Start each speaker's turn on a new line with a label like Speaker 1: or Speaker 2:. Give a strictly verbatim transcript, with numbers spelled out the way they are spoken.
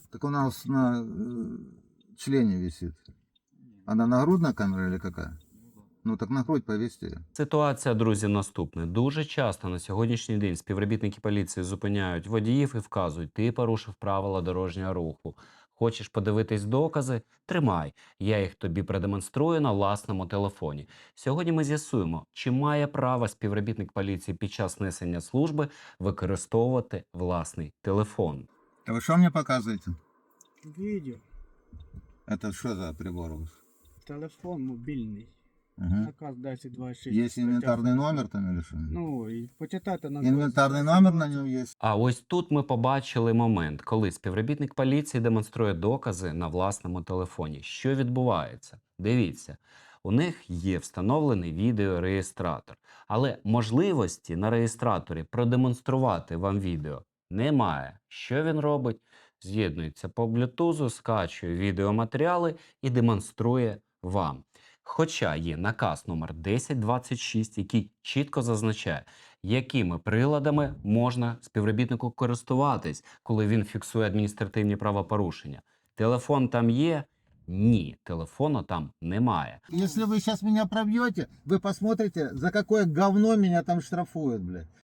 Speaker 1: Так у нас на э, члене висит. Она нагрудная камера или какая? Ну так на грудь повесьте ее.
Speaker 2: Ситуація, друзі, наступна. Дуже часто на сьогоднішній день співробітники поліції зупиняють водіїв і вказують: ти порушив правила дорожнього руху. Хочеш подивитись докази? Тримай. Я їх тобі продемонструю на власному телефоні. Сьогодні ми з'ясуємо, чи має право співробітник поліції під час несення служби використовувати власний телефон.
Speaker 1: А вы что мне показываете?
Speaker 3: Відео,
Speaker 1: Это что за прибор у вас?
Speaker 3: телефон мобільний.
Speaker 1: Угу.
Speaker 3: Наказ десять двадцять шість.
Speaker 1: Есть инвентарный номер там или что?
Speaker 3: Ну, і почитайте на
Speaker 1: Инвентарный номер на нем есть.
Speaker 2: А ось тут ми побачили момент, коли співробітник поліції демонструє докази на власному телефоні. Що відбувається? Дивіться, у них є встановлений відеореєстратор, але можливості на реєстраторі продемонструвати вам відео немає. Що він робить? З'єднується по блютузу, скачує відеоматеріали і демонструє вам. Хоча є наказ номер десять двадцять шість, який чітко зазначає, якими приладами можна співробітнику користуватись, коли він фіксує адміністративні правопорушення. Телефон там є? Ні, телефону там немає.
Speaker 1: Если вы сейчас меня пробьете, вы посмотрите, за какое говно меня там штрафуют, блядь.